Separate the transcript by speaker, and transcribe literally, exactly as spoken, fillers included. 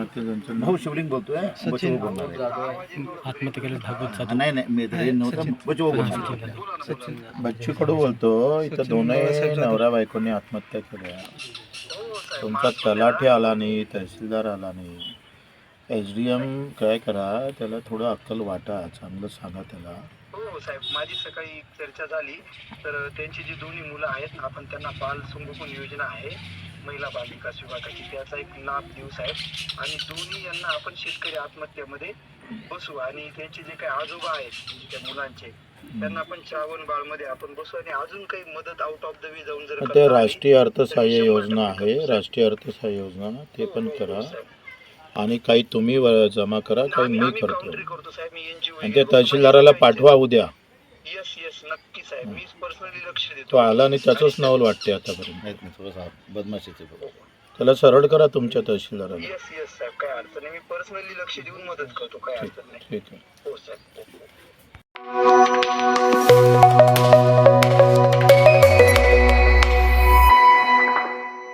Speaker 1: आत्महत्या ज्यांचं
Speaker 2: भाऊ शिवलिंग बोलतोय. बचव बोलणार आहे.
Speaker 3: आत्महत्या केलं भागवत
Speaker 2: नाही नाही मी तरी नव्हतं. बचव बोलणार. बच्चू कडू बोलतो. इथं दोनही नवरा बायकोनी आत्महत्या केल्या. तुमचा तलाठी आला नाही, तहसीलदार आला नाही. एच डी एम काय करा, त्याला थोडं अक्कल वाटा, चांगलं सांगा त्याला.
Speaker 4: हो साहेब, माझी सकाळी चर्चा झाली तर त्यांची जी दोन्ही मुलं आहेत ना, आपण त्यांना बाल संगोपन योजना आहे महिला बाल विकास विभागाची, त्याचा एक लाभ देऊ साहेब. आणि दोन्ही यांना आपण शेतकरी आत्महत्यामध्ये बसू आणि त्यांचे जे काही आजोबा आहेत म्हणजे त्या मुलांचे, त्यांना आपण श्रावण बाळ मध्ये आपण बसू आणि अजून काही मदत आउट ऑफ द वे जाऊन जर
Speaker 2: ते राष्ट्रीय अर्थसहाय्य योजना आहे, राष्ट्रीय अर्थसहाय्य योजना ते पण करा. आणि काही तुम्ही जमा करा, काही मी करतो. आणि ते तहसीलदाराला पाठवा उद्या.
Speaker 4: यस यस नक्की साहेब, मी पर्सनली लक्ष देतो.
Speaker 2: तो आला आणि त्याचंच नवल वाटते आतापर्यंत.
Speaker 1: थोडंसं बदमाशीचे
Speaker 2: त्याला सरळ करा तुमच्या तहसीलदाराला.
Speaker 4: यस यस साहेब, काय अडचण नाही, मी पर्सनली लक्ष देऊन मदत करतो, काय अडचण नाही.
Speaker 2: ठीक आहे.
Speaker 4: हो साहेब.